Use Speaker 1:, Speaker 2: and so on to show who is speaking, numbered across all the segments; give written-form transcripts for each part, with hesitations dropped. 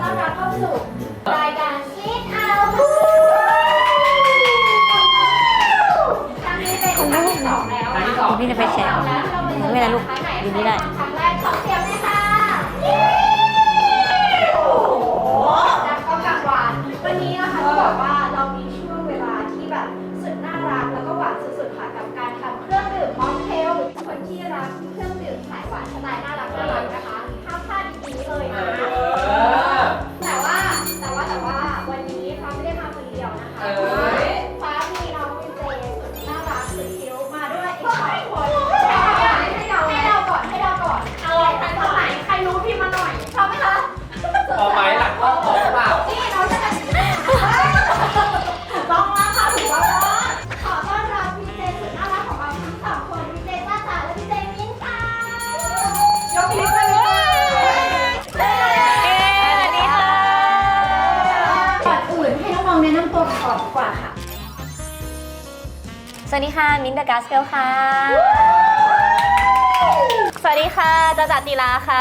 Speaker 1: ต้อนรับเข้าสู่รายการคิดเอาครั้งนี้เป็นครั้งที่2แล้วนะ
Speaker 2: พี่จะไปแชร์ไม่เป็นไรลูกอยู่นี่ได้
Speaker 1: ครั้งแรกขอเสียงเลยค่ะโอ้โหดังก็กังวานวันนี้นะคะต้องบอกว่าเรามีช่วงเวลาที่แบบสุดน่ารักแล้วก็หวานสุดๆค่ะกับการทำเครื่องดื่มม็อกเทลคนที่รักเครื่องดื่มสายหวานสไตล์น่ารักนะคะห้ามพลาดดีๆเลยนะแต่ว่าวันนี้ฟ้าไม่ได้มาคนเดียวนะคะฟ้ามีน้องวินเจสุดน่ารักสุดคิ้วมาด้วยอีก2 คนให้เราก่อนตอนไหนใครรู้พี่มาหน่อยชอบไหมคะ
Speaker 3: พอไหมหลังก็พอเปล่า
Speaker 1: นี่น้องจะถูกต้องแล้วค่ะถูกต้องแล้วขอต้อนรับวินเจสุดน่ารักของเราทั้ง2 คนวินเจจ้าจ๋าและวินเจมิ้นท์ค่ะยกนิ้วเลย
Speaker 2: สวัสดีค่ะ
Speaker 1: ก่อนอื่นให้น้องๆแนะนำตัวก่อนดีกว่าค่ะ
Speaker 2: สวัสดีค่ะมิ้นท์เดอะกัสเกิลค่ะสวัสดีค่ะจ้าจ๋าตีลาค่ะ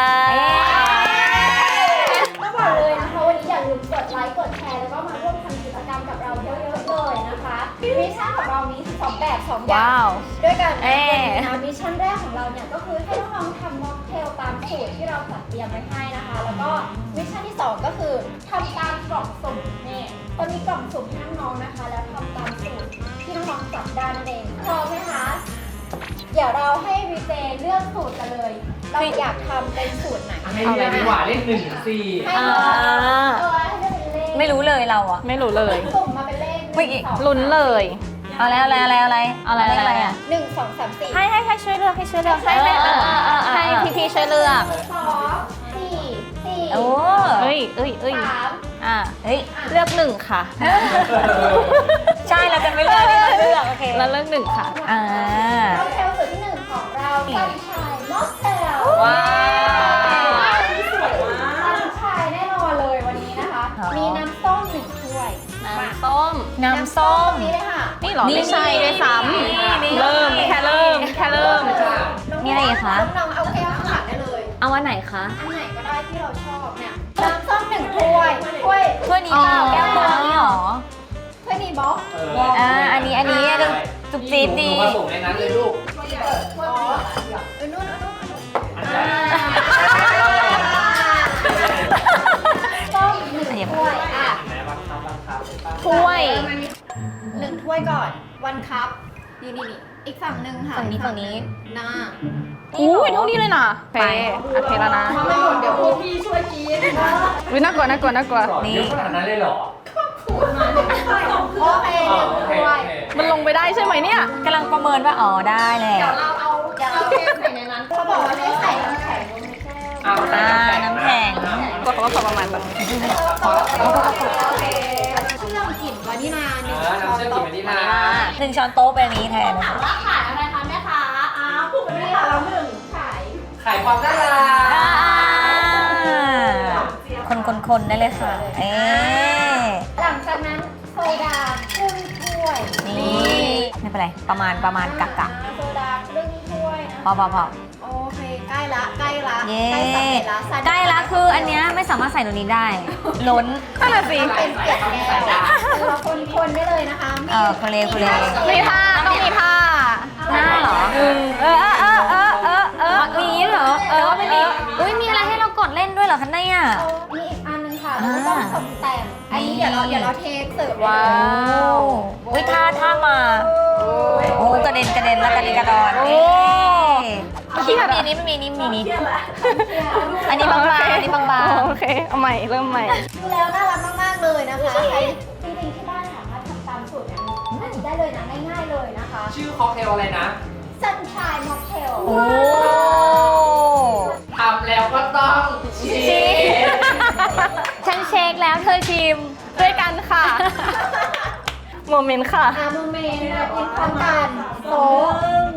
Speaker 1: ต้องบอกเลยนะคะวันนี้อย่าลืมกดไลค์กดแชร์แล้วก็มาร่วมทำกิจกรรมกับเราเยอะๆเลยนะคะมิชชั่นของเรามี2 แบบ2 อย่างด้วยกันนะมิชชั่นแรกของเราเนี่ยก็คือให้น้องๆทำม็อกเทลตามสูตรที่เราจัดเตรียมไว้ให้นะคะแล้วก็มิชชั่นที่2ก็คือทำตามกล่องสุ่มนี่ตอนนี้กล่องสุ่มให้น้องๆนะคะแล้วทำตามสูตรที่น้องๆจัดได้นั่นเองพร้อมไหมคะเดี๋ยวเราให้วีเจเลือกสูตรกันเลยเราอยากทำเป็นสูตรไหน
Speaker 3: ให้เลือกดีกว่าเลข1 ถึง 4
Speaker 1: ให้เลือกให้เลือกเป็นเลข
Speaker 2: ไม่รู้เลยเราอะ
Speaker 4: ไม่รู้เลย
Speaker 1: สุ่มมาเป็นเลข
Speaker 4: เมื่อกี้ลุ้นเลย
Speaker 2: เอาแล้วอะไรอะไรอะ
Speaker 1: 1 2 3 4
Speaker 4: ให้ช่วยเลือกให้ช่วยเลือกให้พี่ช่วยเลือก
Speaker 1: 2 4
Speaker 2: โอ้
Speaker 4: เอ้ย
Speaker 1: 3
Speaker 4: อ่ะ
Speaker 2: เฮ้ย
Speaker 4: เลือก1ค่ะ
Speaker 2: ใช่เราจะไม่เลือกเราเลือกโอเค
Speaker 4: แล้วเลือก1ค่ะ
Speaker 2: อ่า
Speaker 1: ม็อกเทลสูตรที่1ของเราซันชายม็อกเทล
Speaker 4: ว้าว
Speaker 1: ซันชายแน่นอนเลยวันนี้นะคะ มีน้ำส้ม1 ถ้วย
Speaker 4: น้ำส้ม
Speaker 2: น้ำส้ม
Speaker 1: นี่เลยค่ะ
Speaker 4: นี่เหรอไม่ใช่ด้วยซ้
Speaker 2: นี่
Speaker 4: ำเริ่มแค่เริ่ม
Speaker 2: มีอะไรอีกคะ
Speaker 1: น้องๆเอาแก้วข้างหลังได้เลย
Speaker 2: เอาวันไหนคะ
Speaker 1: อันไหนก็ได้ที่เราชอบเนี่ยน้ำส้ม1 ถ้วย
Speaker 2: ถ้วยนี้เปล่าแก้วเปล่านี่หรอ
Speaker 1: ถ้วยนี้บล็อก
Speaker 2: อันนี้จุ๊บจี๊ดดี
Speaker 3: ผสมในนั้นเลยลูก
Speaker 1: อ๋อนู่น
Speaker 3: อันไหน
Speaker 1: ต้ม1 ถ้วยอ่ะ
Speaker 3: ไหนบังคับใช่ปะ
Speaker 4: ถ้วย
Speaker 1: 1 ถ้วยก่อนวันคัพนี่อีกฝั่งหนึ่งค่ะ
Speaker 2: ฝั่งนี้
Speaker 1: หน้า
Speaker 4: อุ้ยเท่านี้เลยนะโอเคโอเคแล้วนะ
Speaker 1: ถ้าไม่หมดเดี๋ยวพวกพี่ช่วยกิน
Speaker 4: อุ้ยน่ากลัว
Speaker 3: สอนเยอะขนาดนั้นเลยเหรอ
Speaker 1: โอเค1 ถ้วย
Speaker 4: มันลงไปได้ใช่ไหมเนี่ย
Speaker 2: กำลังประเมินว่าอ๋อได้แหละ
Speaker 1: เดี๋ยวเราเทใส่ในนั้นเขาบอกว่าให้ใส่น้ำแข็งลงในแก้ว
Speaker 2: น้ำแข็ง
Speaker 4: ก็เขาก็พอประมาณแบบ
Speaker 1: โอเคเครื่องกลิ่นวานิลา1
Speaker 3: น้ำเชื่อมกลิ่นวานิลา
Speaker 2: 1 ช้อนโต๊ะเป็นอันนี้แทน
Speaker 1: ถามว่าขายอะไรคะแม่ค้าผูกวานิลาเรา1ขาย
Speaker 3: ขายความน่ารัก
Speaker 2: คนได้เลยค่ะ
Speaker 1: หลังจากนั้นโซดาครึ่งถ้วย
Speaker 2: นี่ไม่เป็นไรประมาณกะ
Speaker 1: โซดาครึ่งถ้วยนะ
Speaker 2: พอ
Speaker 1: โอเคใกล้ละ
Speaker 2: เย้
Speaker 1: ใกล้สำเร็จละ
Speaker 2: ใกล้ละคืออันเนี้ยไม่สามารถใส่ตรงนี้ได้ ล้น
Speaker 4: นั่นน่ะสิ
Speaker 1: เป็นเปียกแก้วเราคนได้เลยนะคะ
Speaker 2: คุเล
Speaker 4: มีท่าต้องมีท่า
Speaker 2: หน้าเหรอมีเหรอไม่มีอุ้ยมีอะไรให้เรากดเล่นด้วยเหรอคะเนี่ย
Speaker 1: มีอีกอันนึงค่ะเราต้องตกแต่งอันนี้เดี๋ยวเราเทเสิร์ฟ
Speaker 4: ว้าว
Speaker 2: อุ้ยท่ามาโอ้กระเด็นแล้วกระเด็นกระดอน
Speaker 4: โอ้
Speaker 2: ที่มีนี้ไม่มีนี้มีนี้อันนี้บางๆอันนี้บาง
Speaker 4: โอเคเอาใหม่เริ่มใหม่
Speaker 1: ดูแล้วน่ารักมากๆเลยนะคะใครจริงๆที่บ้านสามารถทำตามสูตรอันนี้ได้เลยนะง่ายๆเลยนะคะ
Speaker 3: ชื่อค็อกเทลอะไรนะ
Speaker 1: Sunshine Mocktail
Speaker 2: โอ้
Speaker 3: ทำแล้วก็ต้องชิม
Speaker 2: ฉันเช็คแล้วเธอชิม
Speaker 4: ด้วยกันค่ะ โมเมนต์ค่ะ
Speaker 1: โมเมนต์นะกินพร้อมกันโต๊ะ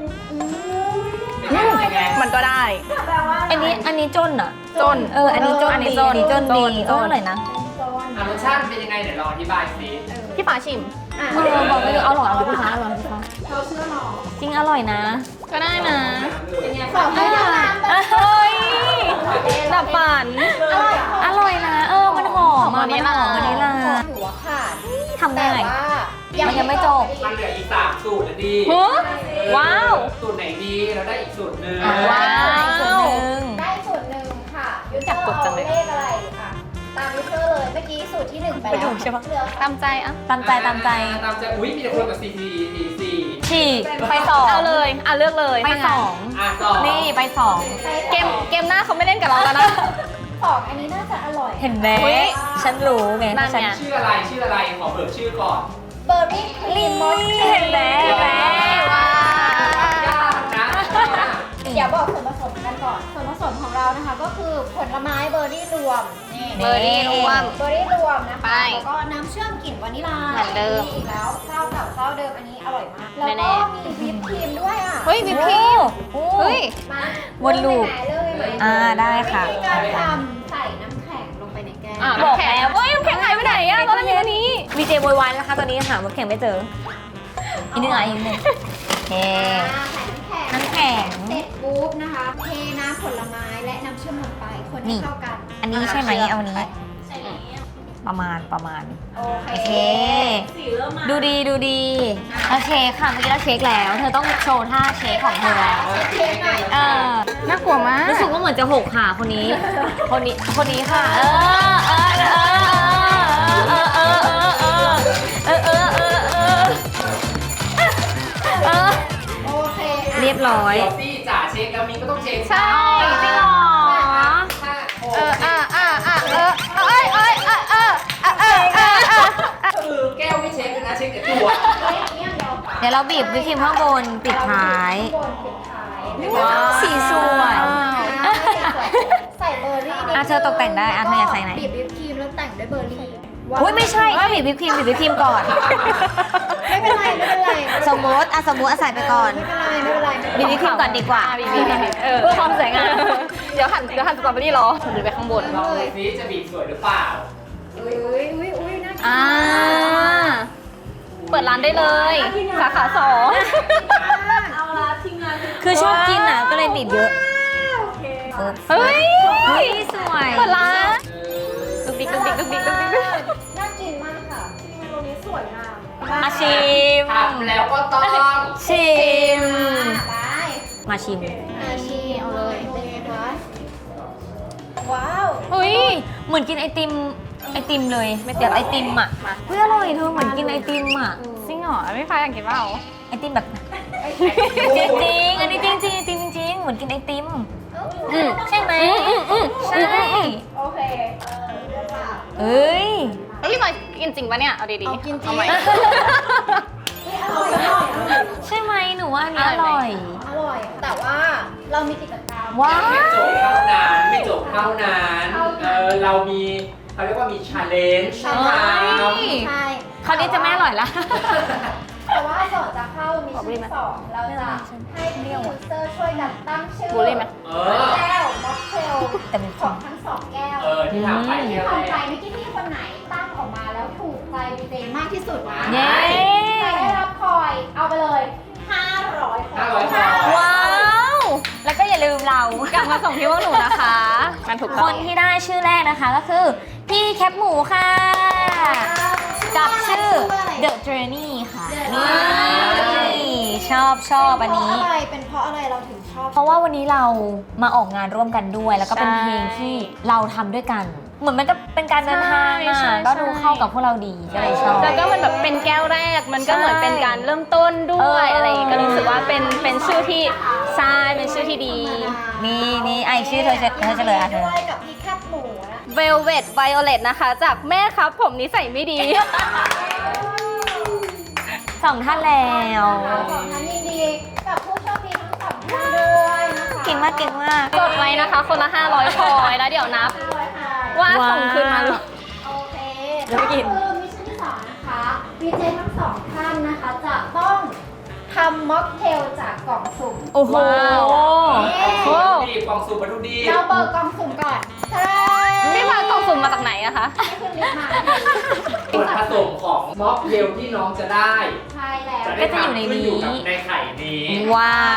Speaker 3: เป็นไง
Speaker 4: มันก็ได้
Speaker 1: แปลว่า
Speaker 2: อันนี้จนอ่ะ
Speaker 4: จน
Speaker 2: อันนี้จน
Speaker 4: อันนี้
Speaker 2: ดี
Speaker 4: จน
Speaker 2: จนดี
Speaker 4: จน
Speaker 2: อร่อยนะ
Speaker 3: รสชาติเป็นยังไงเดี๋ยวลองอธิบายสิ
Speaker 4: พี่ฟ้าชิม
Speaker 2: บอกไม่รู้เอาหรอเอาลูกค้าเอาลูกค้า
Speaker 1: เขาเชื่อหรอ
Speaker 2: จริงอร่อยนะ
Speaker 4: ก็ได้นะ
Speaker 1: ขอให้น้ำแบบ
Speaker 4: เฮ้ยดับฝัน
Speaker 1: อร่อย
Speaker 2: อร่อยนะมันหอมันหอมวานิลลา
Speaker 1: ถือว่าขาด
Speaker 2: ทำได้
Speaker 1: แต่ว่า
Speaker 2: มันยังไม่จบ
Speaker 3: มันเหลืออีก3สูตรนะดิ
Speaker 4: ฮะว้าว
Speaker 3: สูตรไหนดีเราได้อีกสูตรหนึ่ง
Speaker 2: ว้าวส่วนหนึ่ง
Speaker 1: ได้สูตรหนึ่งค่ะยูเซ
Speaker 4: อยาก
Speaker 1: อร์
Speaker 4: กดจังเลย
Speaker 1: เอาเลขอะไรอ่ะตามยูเซอร์เลยเมื่อกี้สูตรที่ 1 ไปแล้ว
Speaker 2: ไปถูกใช่ปะ
Speaker 1: เหลือ
Speaker 4: ตามใจอ่ะ
Speaker 2: ตามใจตามใจ
Speaker 3: ตามใจอุ้ยมีแต่คนกับ CT
Speaker 2: ฉีกไปสอง
Speaker 4: เอาเลยอ่ะเลือกเลย
Speaker 2: ไปสอง
Speaker 3: สอง
Speaker 2: นี่ไปสอง
Speaker 4: เกมหน้าเขาไม่เล่นกับเราแล้วนะ
Speaker 1: ของอันนี้น่าจะอร่อย
Speaker 2: เห็นไหม
Speaker 4: อุ๊ย
Speaker 2: ฉันรู้ไง
Speaker 4: นั่นไง
Speaker 2: ฉัน
Speaker 3: ชื่ออะไรขอเบิกชื่อก่อน
Speaker 1: เบอร์รี่ครีมมอส
Speaker 2: เห็นไหมเห็นไหม
Speaker 4: ว้า
Speaker 3: ยากนะ
Speaker 1: เดี๋ยวบอกส่วนผสมกันก่อน ส่วนผสมของเรานะคะก็คือผลไม้เบอร์รี่รวมนี่
Speaker 4: เบอร์รี่รวม
Speaker 1: เบอร์รี่รวมนะคะ
Speaker 4: ไป
Speaker 1: แล้วก็น้ำเชื่อมกลิ่นวานิลลา
Speaker 4: เหมือนเดิม
Speaker 1: อีกแล้วเจ้าเก่าเจ้าเดิมอันนี้อร่อยมาก แล้ว
Speaker 4: แน่
Speaker 1: ก็
Speaker 4: ๆ
Speaker 1: มีวิปครีมด้วยอ่ะ
Speaker 4: เฮ้ยวิปครีม
Speaker 2: โอ้
Speaker 4: เฮ้ย
Speaker 1: มา
Speaker 2: วนลูป
Speaker 1: เริ่มเลยไหม
Speaker 2: ได้ค่ะ
Speaker 1: วิธีการทำใส่น้ำแข็งลงไปในแก้ว
Speaker 4: อ่ะ
Speaker 2: บอก
Speaker 4: น้ำแข็ง
Speaker 2: แล้ว
Speaker 4: เฮ้ยน้ำแข็งหายไปไหนอ่ะตอนแรกมีอันนี้
Speaker 2: วีเจโวยวายนะคะตอนนี้หาน้ำแข็งไม่เจออีกนึงอีกนึงโอเค
Speaker 1: ใส่น้ำแข็ง
Speaker 2: น้ำแข็ง
Speaker 1: เสร็จปุ๊บนะคะเทน้ำผลไม้และน้ำเชื่อมลงไปคน
Speaker 2: นี่
Speaker 1: ให้เข้ากัน
Speaker 2: อันนี้ใช่ไหมเอานี้ ประมาณ
Speaker 1: โอเค
Speaker 2: โอเค ดูดีโอเคค่ะเมื่อกี้เราเช็คแล้ว เธอต้องโชว์ท่าเช็คของเธอแล้ว
Speaker 1: เช็คหน่อย
Speaker 4: น่ากลัวมาก
Speaker 2: รู้สึกว่าเหมือนจะหกค่ะคนนี้ค่ะ
Speaker 1: โอเคอ่ะ
Speaker 2: เรียบร้อย
Speaker 3: เดี๋ยวพี่จ๋าเช็คแล้วมิ้นก็ต้องเช็ค
Speaker 4: ใช่
Speaker 2: จริงเหรอ
Speaker 3: คือแก้วไม่เช็คเลยนะเช็คแต่ตัว
Speaker 2: เดี๋ยวเราบีบวิปครีมข้างบนปิดท้าย
Speaker 1: ข้างบนปิดท้าย
Speaker 2: ว้าวสีสวย
Speaker 1: ใส่เบอร์รี่นิด
Speaker 2: อ่ะเธอตกแต่งได้อ่ะเธออยากใส่ไหน
Speaker 1: บีบวิปครีมแล้วแต่งด้วยเบอร์รี่
Speaker 2: อุ้ยไม่ใช่ต้องบีบวิปครีมก่อน
Speaker 1: ไม่เป็นไรไม่เป็นไร
Speaker 2: สมมติใส่ไปก่อน
Speaker 1: ไม่เป็นไรไม่เป็นไร
Speaker 2: บีบวิปครีมก่อนดีกว่า
Speaker 4: บีบเพื่อความสวยงามเดี๋ยวหั่นสตรอเบอรี่รอหรือไปข้างบน
Speaker 3: ลองดูซิจะบีบสวยหรือเปล่า
Speaker 1: อุ้ยน่ากิน
Speaker 4: เปิดร้านได้เลย สาขา2
Speaker 1: เอาละทีมงาน
Speaker 2: คือชอบกินอ่ะก็เลยบีบเยอะ
Speaker 4: เฮ้ย
Speaker 2: เฮ้ยสวย
Speaker 4: เปิดร้านดุกดิก
Speaker 1: น่ากินมากค่ะที่เมนูนี้สวยงาม
Speaker 2: มาชิม
Speaker 3: ทำแล้วก็ต้อง
Speaker 2: ชิม
Speaker 1: ไป
Speaker 2: มาชิม
Speaker 1: ชิมเอาเลยเป็นไงคะว้าว
Speaker 4: เฮ้ย
Speaker 2: เหมือนกินไอติมเลยแบบไอติมอ่ะเฮ้ยอร่อยเธอเหมือนกินไอติมอ่ะ
Speaker 4: จริงเหรอไม่ฟ้าอยากกินเปล่า
Speaker 2: ไอติมแบบจริงอันนี้จริงไอติมจริงเหมือนกินไอติมใช่ไหมใช่
Speaker 1: โอเคค่ะ
Speaker 2: เอ้ย
Speaker 4: พี่หน่อยกินจริงปะเนี่ย เอาดีๆ
Speaker 1: เอากินจริง
Speaker 4: ไหม
Speaker 1: อร่อย
Speaker 2: ใช่ไหมหนูว่าอันนี้อร่อย
Speaker 1: อร่อย แต่ว่าเรามีกิจกรรม
Speaker 2: ว้าว
Speaker 3: ไม่จบเท่านั้นเรามีเขาเรียกว่ามีชาเลนจ์
Speaker 1: ใช่
Speaker 3: ทำ
Speaker 1: ใช่
Speaker 2: คราวนี้จะไม่อร่อยละ
Speaker 1: แต่ว่าก่อนจะเข้ามิชชั่น2เราจะให้พี่ยูเซอร์ช่วยกันตั้งชื่อ
Speaker 4: บูลลี่ไหม
Speaker 1: แก้วม็อกเทล
Speaker 2: แต่มี
Speaker 1: ของทั้งสองแก้ว
Speaker 3: ที่ทำไป
Speaker 1: ที่
Speaker 3: เนี่ย
Speaker 1: ทำไปเมื่อกี้พี่คนไหนตั้งออกมาแล้วถูกใจดีเจมากที่สุดนะ
Speaker 2: เย้
Speaker 1: จะได้รับคอยเอาไปเลย 500
Speaker 2: ว้าว แล้วก็อย่าลืมเรา
Speaker 4: กลับมาส่งที่พวกหนูนะคะมันถูก
Speaker 2: ค
Speaker 4: ต้อง
Speaker 2: นที่ได้ชื่อแรกนะคะก็คือ พี่แคปหมูค่ะ กับชื่อ The Journey ค่ะ นี่ชอบอันนี้
Speaker 1: เป็นเพราะอะไรเราถึงชอบ
Speaker 2: เพราะว่าวันนี้เรามาออกงานร่วมกันด้วย แล้วก็เป็นเพลงที่เราทำด้วยกัน เหมือนมันก็เป็นการเดินทางอ่ะก็ดูเข้ากับพวกเราดีก็เลยชอบ
Speaker 4: แล้วก็มันแบบเป็นแก้วแรก มันก็เหมือนเป็นการเริ่มต้นด้วยอะไรอย่างงี้ก็รู้สึกว่าเป็นชื่อที่ใช่เป็นชื่อที่ดี
Speaker 2: นี่ไอชื่อเธอจะเลยอ่ะเธอ
Speaker 1: ด้วยกับพี่แคบหมูนะ
Speaker 4: Velvet Violet นะคะ จากแม่ครับผมนิสัยไม่ดี
Speaker 2: สองท่านแล้ว
Speaker 1: ขอท่านยินดีกับผู้โชคดีทั้งสองท่านด้วยนะคะ
Speaker 2: เก่งมาก
Speaker 4: กดไว้นะคะ คนละ 500พอยแล้วเดี๋ยวนับ ว่าส่งคืนมาหรือ
Speaker 1: โอเค
Speaker 2: เดี๋ยวไปกิน
Speaker 1: คือมิชชั่นที่สองนะคะวีเจทั้งสองท่านนะคะจะต้องทำม็อกเทลจากกล่องสุ่ม
Speaker 2: โอ้โห
Speaker 4: โอ้
Speaker 3: ดีกล่องสูบมาดูดี
Speaker 1: เราเบิกกล่องสุ่มก่อนใช่
Speaker 4: พี่มากล่องสุ่มมาจากไหนอะคะ
Speaker 1: ให้คุณลิฟต์มา
Speaker 3: ส่วนผสมของม็อกเทลที่น้องจะได้
Speaker 1: ใช่แล้ว
Speaker 3: จะได้ทำขึ้นอยู่กับในไข่นี้
Speaker 2: ว้าว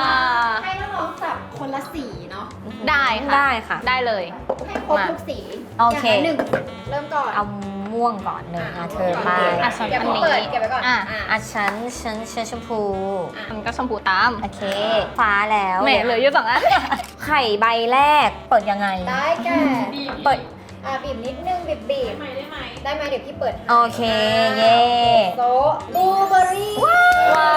Speaker 1: ให้น้องๆจับคนละสีเนาะ
Speaker 4: ได้ค่ะ
Speaker 2: ได้ค่ะ
Speaker 4: ได้เลย
Speaker 1: ให้ครบทุกสี
Speaker 2: โอเค
Speaker 1: ย่างละหนึ่งเริ่มก่อน
Speaker 2: เอาม่วงก่อนหนึ่งเธอไป
Speaker 4: อ่ะฉัน
Speaker 1: เดี๋ยว
Speaker 4: อัน
Speaker 1: ผม
Speaker 4: นี้
Speaker 1: เปิดเก็บไว้ก่อน
Speaker 4: อ่ะ
Speaker 2: อ่ะฉันชมพู
Speaker 4: มันก็ชมพูตาม
Speaker 2: โอเค ฟ้าแล้ว
Speaker 4: แหมเหลืออยู่2 อัน
Speaker 2: ไข่ใบแรกเปิดยังไง
Speaker 1: ได้แก่
Speaker 2: เปิด
Speaker 1: บีบนิดนึงบีบได้ไหมเดี๋ยวพี่เปิดให้
Speaker 2: โอเค เย่
Speaker 1: โต๊ะบลูเบอร์รี่
Speaker 2: ว้าว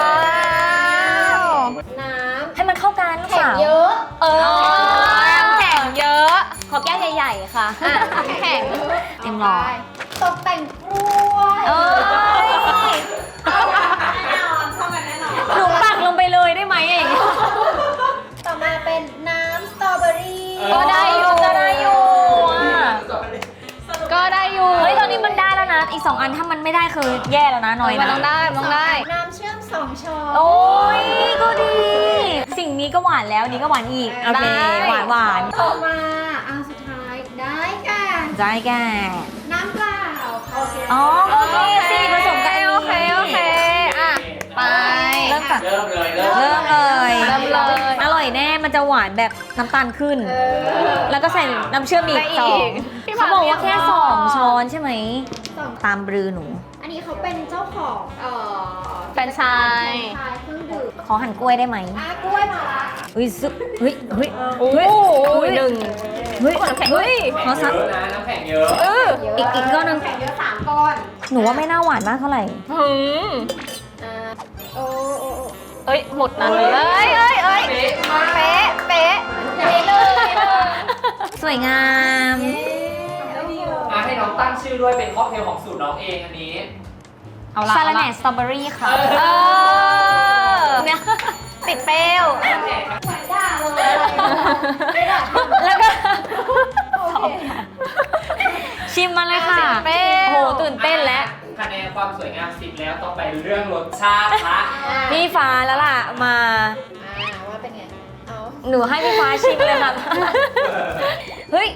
Speaker 1: น้
Speaker 2: ให้มันเข้ากัน
Speaker 1: ำ
Speaker 2: ลูก
Speaker 1: แข็ง
Speaker 2: สาว
Speaker 1: เยอะ
Speaker 2: เออ
Speaker 4: แข็งเยอะ
Speaker 2: ขอแก้วใหญ่ๆค่ะ
Speaker 4: อ่ะแข็ง
Speaker 2: เต็มหลอด
Speaker 1: ตกแต่งกล้วย
Speaker 2: เอ้ย
Speaker 1: แน่นอนเข้ากันแน่นอน
Speaker 2: หนูปักลงไปเลยได้ไหมเอง
Speaker 1: ต่อมาเป็นน้ำสตรอเบอรี่
Speaker 2: ก็ได้อยู่ก็ได้อยู่อ่ะ
Speaker 4: ก็ได้อยู่
Speaker 2: เฮ้ยตอนนี้มันได้แล้วนะ อีก 2 อันถ้ามันไม่ได้คือแย่แล้วนะน้อย
Speaker 4: มัน
Speaker 2: นะ
Speaker 4: ต้องได้มันต้องได้
Speaker 1: น้ำเชื่อม2 ช้อน
Speaker 2: โอ้ยก็ดี สิ่งนี้ก็หวานแล้วนี้ก็หวานอีก โอเค หวาน
Speaker 1: ต่อมาสุดท้ายได้แก่
Speaker 2: ใจแก่
Speaker 1: น้ำเปล่าโอเค
Speaker 2: อ๋อโอเคสิผสมกัน
Speaker 4: โอเคอ่ะไป
Speaker 2: เริ่มจาก
Speaker 3: เริ่มเลย
Speaker 2: เริ่มเลย
Speaker 4: เริ่มเลย
Speaker 2: อร่อยแน่มันจะหวานแบบน้ำตาลขึ้น แล้วก็ใส่น้ำเชื่อมอีก
Speaker 4: ได้อีก
Speaker 2: สอง
Speaker 4: พี่
Speaker 2: เขาบอกว่าแค่
Speaker 4: บอก
Speaker 2: 2 ช้อนใช่ไหม
Speaker 1: สอง
Speaker 2: ตามบรือหนู
Speaker 1: อันนี้เขาเป็นเจ้าของ
Speaker 4: แฟรนไชส์
Speaker 1: ชายเครื่องดื่ม
Speaker 2: ขอหั่นกล้วยได้ไหม
Speaker 1: กล้วยมาละ
Speaker 2: เฮ้ยซึเฮ้ยเฮ้ย
Speaker 4: โอ้โห
Speaker 2: หนึ่งเฮ้ยเฮ้ยขอ
Speaker 3: เย
Speaker 2: สัก
Speaker 3: อะนะน้ำแข็งเยอะ
Speaker 2: อีกก้อนหนึง
Speaker 1: แข่งเยอะ3 ก้อน
Speaker 2: หนูว่าไม่น่าหวานมากเท่าไหร่
Speaker 4: หืม
Speaker 1: โอ้
Speaker 4: เอ้ยหมดนั้นเลยเอ้ย
Speaker 3: เป๊ะมาก
Speaker 4: เป๊ะเป๊ะ
Speaker 1: เลย
Speaker 2: สวยงาม
Speaker 3: ให้น้องตั้งชื่อด้วยเป็นค็อกเทลของสูตรน้องเองอันนี้
Speaker 4: เอาละ
Speaker 2: ซาลาแหน่สตรอเบอรี่ค่ะ
Speaker 4: เออ
Speaker 2: เนี่ย
Speaker 4: ติดเปรี้ยว
Speaker 1: เหมือนด่าเลยไม่ด่า
Speaker 2: แล้วก็
Speaker 1: โอเค
Speaker 2: ชิมมาเลยค่ะ
Speaker 4: เปรี้ยว
Speaker 2: โอ้โหตื่นเต้นแล้ว
Speaker 3: คะแนนความสวยงาม10แล้วต้องไปเรื่องรสชาติละ
Speaker 2: พี่ฟ้าแล้วล่ะมา
Speaker 1: ว่าเป็นไง เอา
Speaker 2: หนูให้พี่ฟ้าชิมเลยค่ะ เฮ้ย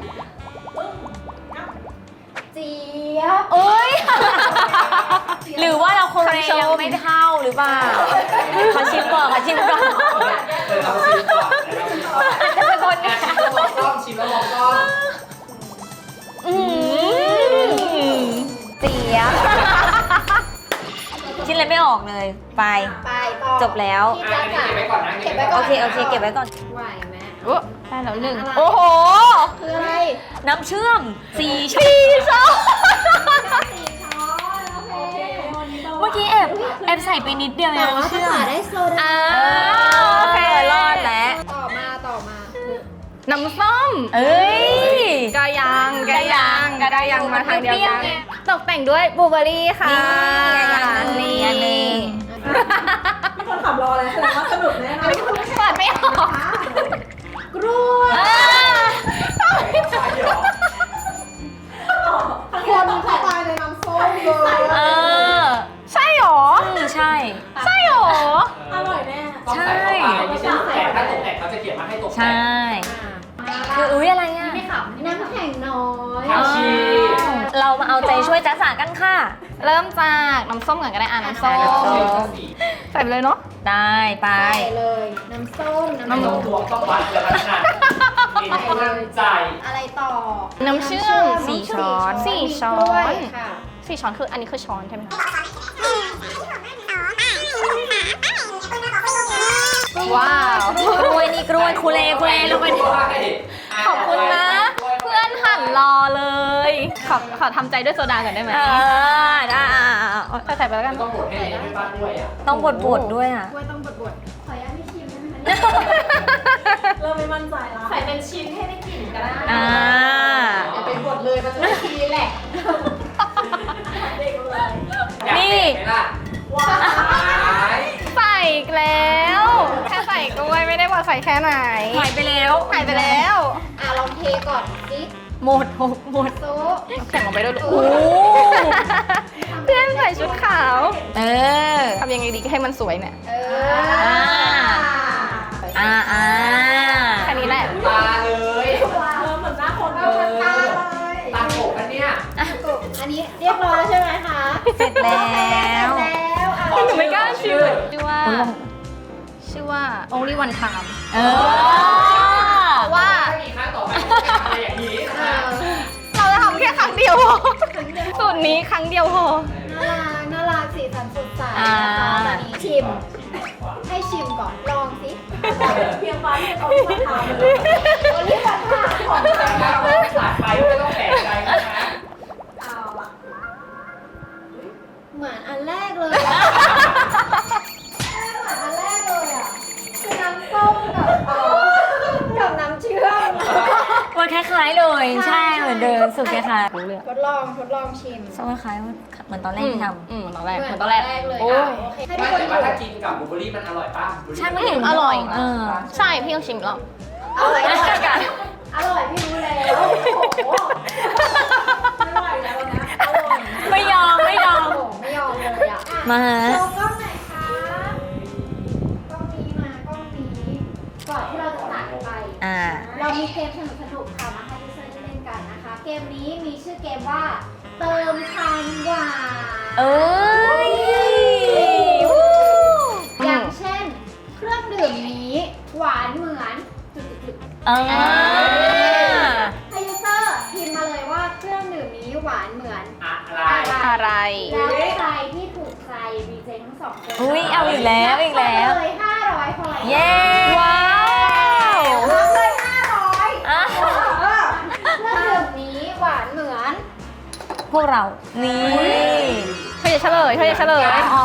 Speaker 1: เจี๊ยบ
Speaker 2: เอ้ย หรือว่าเราโคเรยังไม่เท่าหรือเปล่าขอชิมก่อนขอชิมก่อน
Speaker 3: เราชิมก่อนเราชิมก่อน
Speaker 2: อาจจะเป็นคนเนี่ย
Speaker 3: ชิมแล้วมองกล้องชิมแล้วมองกล้อง
Speaker 2: เสียบชิ้นอะไรไม่ออกเลย ไป
Speaker 1: ไปต่อ
Speaker 2: จบแล้ว
Speaker 1: พี่
Speaker 3: อั
Speaker 1: จ๊ะ
Speaker 3: นนี้
Speaker 1: จ๋า
Speaker 3: เก็บไว้ก่อนนะ
Speaker 1: เก็บไว้ก่อน
Speaker 2: โอเค เก็บไว้ก่อน
Speaker 1: ไหวไหม
Speaker 4: โอ้ได้แล้วหนึ่ง
Speaker 1: อะไร
Speaker 4: โอ้โห
Speaker 1: คืออะไร
Speaker 2: น้ำเชื่อม4 ช้อน
Speaker 4: 4 ช้อน
Speaker 1: 4 ช้อนโอเค
Speaker 2: เมื่อกี้แอบใส่ไปนิดเดียวเอ
Speaker 1: แต่
Speaker 2: ง
Speaker 1: ว่า
Speaker 2: น้ำ
Speaker 1: ภา
Speaker 2: เชื่อม
Speaker 1: ษาได้โซดา
Speaker 2: โอเครอดแล้ว
Speaker 1: ต่อมา
Speaker 4: น้ำส้ม
Speaker 2: เอ้ย
Speaker 4: กายังมาทางเดียวกัน ตกแต่งด้วยบลูเบอร์รี่ค่ะ
Speaker 2: นี่อันนี้
Speaker 5: มีคนขับรอเลยแสดงว่าสนุกแน่นอน
Speaker 4: เปิดไม่ออก
Speaker 1: กล้วย คนเข้าไปในน้ำส้มเลย
Speaker 2: เออ
Speaker 4: ใช่หรอ
Speaker 2: ใช่
Speaker 4: ใช่หรอ
Speaker 5: อร่อยแน่
Speaker 3: ต้องใส่เข้าไปไม่ใช่แต่ถ้าตกแต่งเขาจะเขียนมาให้ตก
Speaker 2: ใช่
Speaker 3: แต่ง
Speaker 2: คืออุ้ยอะไรอ่ะ
Speaker 1: ไม่ขำน้ำแข็งน้อย
Speaker 3: ผักชี
Speaker 2: เรามาเอาใจช่วยจ้าสากันค่ะ
Speaker 4: เริ่มจากน้ำส้มก่อนก็ได้น้ำส้ม
Speaker 2: น้ำส้ม
Speaker 4: ใส่ไปเลยเนาะ
Speaker 2: ได้ไป
Speaker 1: ใส่เลย น้ำส้ม
Speaker 3: ไม่ต้องตวงต้องวัดแล้วขนาดกินให้มั่นใจ
Speaker 1: อะไรต่อ
Speaker 4: น้ำเชื่อม
Speaker 2: สี่ช้อน
Speaker 4: สี่ช้อน
Speaker 1: กล้วยค่ะ
Speaker 4: 4 ช้อนคืออันนี้คือช้อนใช่ไหมคะว้าว
Speaker 2: กล้วยนี่กล้วยคูเลลงไปดิ
Speaker 4: ขอบคุณนะ เพื่อนหั่นรอเลย ขอทำใจด้วยโซดาก่อนได้ไหม
Speaker 2: ได้
Speaker 4: ใส่ไปแล้วกัน
Speaker 3: ต้องบดให้ไม่ป้าด้วยอ่ะ
Speaker 2: ต้องบดด้วยอ่ะ
Speaker 1: กล้วยต้องบดๆขออนุญาตไม่ชิมได้ไหมคะเนี่ย
Speaker 5: เริ่มไม่มั่นใจแล้ว
Speaker 1: ใส่เป็นชิ้นให้ได้กลิ่นก็ได้
Speaker 2: อ่า
Speaker 1: อย่าเป็นบดเลยมันจะไม่ชีแหละ
Speaker 5: เด็กเลย
Speaker 3: อยากเห็นไหมล่ะ
Speaker 5: ว้าว
Speaker 4: ใส่อีกแล้ว แค่ใส่กล้วยไม่ได้ว่าใส่แค่ไหน
Speaker 2: หายไปแล้ว
Speaker 4: หายไปแล้ว
Speaker 1: ลองเทก่อนสิ
Speaker 2: หมดหมด
Speaker 1: โต๊ะ
Speaker 4: แข่งออกไปด้วยลูก
Speaker 2: โอ้
Speaker 4: เพื่อนใส่ชุดขาว
Speaker 2: เออ
Speaker 4: ทำยังไงดีให้มันสวยเนี่ย
Speaker 2: อ่า
Speaker 4: แค่นี้แหละ
Speaker 3: ตาเลย
Speaker 5: เหมือนหน้าคน
Speaker 1: เอา
Speaker 5: เล
Speaker 1: ตาย เลย
Speaker 3: ตาโขกอันเนี้ย
Speaker 1: อันนี้เรียบร้อยแล้วใช่ไหมคะ
Speaker 2: เสร็จแล้ว
Speaker 1: เสร็จแล้วอ่ะ
Speaker 4: หนูไม่กล้าชื่อชื่อว่า
Speaker 2: โอ้ย
Speaker 4: ชื่อว่า only one time
Speaker 2: เออ
Speaker 4: เพราะว่า
Speaker 3: ถ้ามีครั้งต่อไปจะทำอะไรอย่างนี้นะ
Speaker 1: เออ
Speaker 4: พอสูตรนี้ครั้งเดียวพอ
Speaker 1: น่ารักสีสันสดใส
Speaker 2: อ่า
Speaker 1: นะคะตอนนี้ชิม ให้ชิมก่อน ลองสิเพียงฟ้าที่เขามาทำเลยวันนี้มาทำของแท้
Speaker 3: ขาดไปไม่ต้องแปลกใจกันนะ
Speaker 1: เอาอะเหมือนอันแรกเลยอะเหมือนอันแรกเลยอะคือน้ำส้มกับน้ำเชื่อม
Speaker 2: มันคล้ายๆเลย ใช่เหมือนเดิมสูตรคล้ายๆรู้เรื่อง
Speaker 1: ทดลองชิม
Speaker 2: ส้มคล้ายๆเหมือนตอนแรกที่ทำ
Speaker 4: ตอนแรก
Speaker 1: เห
Speaker 4: เห
Speaker 1: มื
Speaker 4: มื
Speaker 1: อ
Speaker 4: อน น
Speaker 1: ต
Speaker 4: ต
Speaker 1: อ
Speaker 4: อน น
Speaker 1: แร
Speaker 4: แร
Speaker 1: ก
Speaker 4: ก
Speaker 1: เลย
Speaker 4: โอ้
Speaker 1: ค่ะโอเคให้ทุ
Speaker 3: ไม่
Speaker 1: กคน
Speaker 3: แต่
Speaker 1: ดู
Speaker 3: ว่าถ้ากินกับบลูเบอร์รี่มันอร่อยป่ะบลูเบอร์รี่
Speaker 2: ใช่มันอยู่
Speaker 4: อร่อย
Speaker 2: เออ
Speaker 4: ใช่พี่ต้องชิมแล้ว
Speaker 1: อร่อยอร่อยพี่รู้แล้วโอ้โหอร่อยแล้วนะอร่อย
Speaker 2: ไม่ยอม
Speaker 1: ไม่ยอมเลยอ่ะ
Speaker 2: มา
Speaker 1: โชว์กล้องไหนอยคะกล้องนี้มากล้องนี้ก่อนที่เราจะตัดไป
Speaker 2: อ่า
Speaker 1: เรามีเกมสนุกๆค่ะมาให้ยูเซอร์ได้เล่นกันนะคะ เกมนี้มีชื่อเกมว่า เติมคำหวาน
Speaker 2: เอ้ยวู้
Speaker 1: อย่างเช่น เครื่องดื่มนี้หวานเหมือนจุดๆ
Speaker 2: เออ
Speaker 1: ๆให้ยูเซอร์พิมพ์มาเลยว่าเครื่องดื่มนี้หวานเหมือน
Speaker 3: อะไร
Speaker 4: อะไร
Speaker 1: แล้วใครที่ถูกใจดีเจทั้งสองคน
Speaker 2: อุ้ยเอาอีกแล้วอีกแล้ว
Speaker 1: เลย500พอ
Speaker 2: เย้
Speaker 4: ว้าว
Speaker 1: รับเลย500
Speaker 2: อ่ะ
Speaker 1: เครื่องดื่มนี้หวานเหมือน
Speaker 2: พวกเรา นี่
Speaker 4: เธอจะเฉลย
Speaker 2: อ๋อ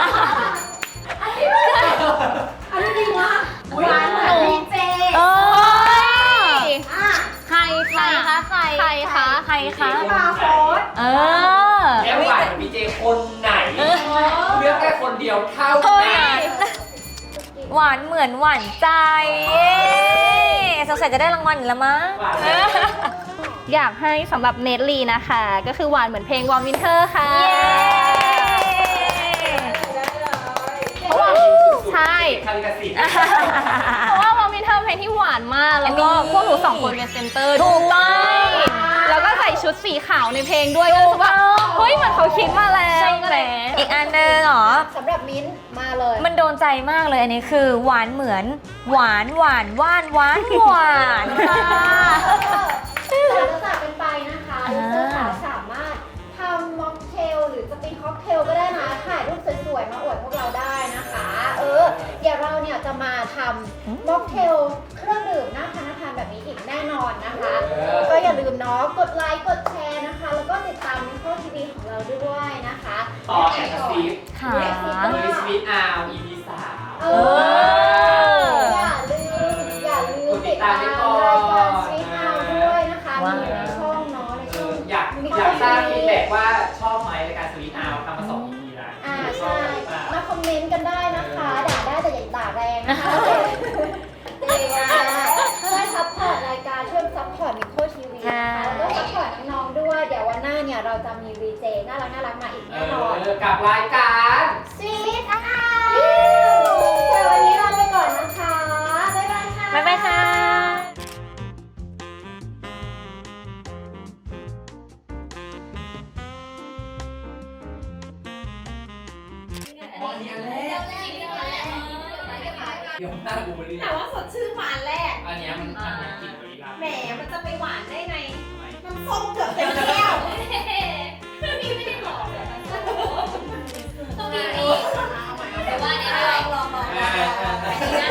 Speaker 1: อันนี้จริงวะหวานเหมือนดีเจ
Speaker 2: เออ
Speaker 1: อ่ะ
Speaker 2: ใครคะใคร
Speaker 4: ใครคะ
Speaker 2: ใครคะ
Speaker 1: มาโฟส
Speaker 2: เออ
Speaker 3: แล้วหวานพีเจคนไหนเลือกแค่คนเดียวเท่า
Speaker 2: เท่า
Speaker 3: นั้
Speaker 2: นั้น นหวานเหมือนหวานใจเย้สงสัยจะได้รางวัลอีกแล้วมั้ง
Speaker 3: หวาน
Speaker 4: อยากให้สำหรับเนทลีนะคะ ก็คือหวานเหมือนเพลงวอร์มวินเทอร์ค่ะ
Speaker 2: เย้
Speaker 4: เพราะว่าใช่
Speaker 3: คาลิกาสิทธิ์
Speaker 4: เพราะว่าวอร์มวินเทอร์เพลงที่หวานมาก แล้วก็พวกหนูสองคนเป็นเซนเตอร์
Speaker 2: ถูกต้อง
Speaker 4: ด้วยแล้วก็ใส่ชุดสีขาวในเพลงด้วยก็รู้สึกว่าเฮ้ยเหมือนเขาคิดมาแล้ว
Speaker 2: ใช่ไหมอีกอันหนึงเหรอ
Speaker 1: สำหรับมิ้นท์มาเลย
Speaker 2: มันโดนใจมากเลยอันนี้คือหวานเหมือนหวานค่ะ
Speaker 1: แต่จะจากกันไปนะคะยูเซอร์สามารถทำม็อกเทลหรือจะเป็นค็อกเทลก็ได้นะถ่ายรูปสวยๆมาอวดพวกเราได้นะคะ เดี๋ยวเราเนี่ยจะมาทำม็อกเทลเครื่องดื่มน่าทานแบบนี้อีกแน่นอนนะคะ ก็อย่าลืมเนาะกดไลค์กดแชร์นะคะ แล้วก็ติดตามมิโคทีวีของเราด้วยนะคะ
Speaker 3: ต่อแอนด์ซีฟ
Speaker 2: ค่ะ
Speaker 3: เลยสวีทอาร์ EP 3
Speaker 1: อย่าลืมติดตามรายการสวีทเอาด้วยนะคะมีอยู่ในช่องเนาะในช่อง
Speaker 3: อยากทราบฟีดแบ็กว่าชอบไหมในการสวีทอาร์ทำมา2 EP แล้ว
Speaker 1: ใช่มาคอมเมนต์กันได้นะคะด่าได้แต่อย่าด่าแรงนะคะดีอ่ะช่วยซัพพอร์ตรายการช่วยซัพพอร์ตมิโคทีวีนะคะแล้วก็ซัพพอร์ตน้องๆด้วยเดี๋ยววันหน้าเนี่ยเราจะมีวีเจน่ารักมาอีกแน่นอน
Speaker 3: กับรายการ
Speaker 1: สวีทเอาแต่วันนี้ลาไปก่อนนะคะ บ๊ายบายค่ะ
Speaker 2: บ๊ายบายค่ะ
Speaker 3: เดี๋ยวหน้าบูเบอรี่
Speaker 1: แต่ว่าสดชื่นหวานแรก
Speaker 3: อันนี้มันกลิ่นบริลา
Speaker 1: แหมมันจะไปหวานได้ไงน้ำส้มเกือบเต็มแก้วพี่ไม่ได้บอกเลยต้องมีนี่แต่ว่าเนี่ยลอง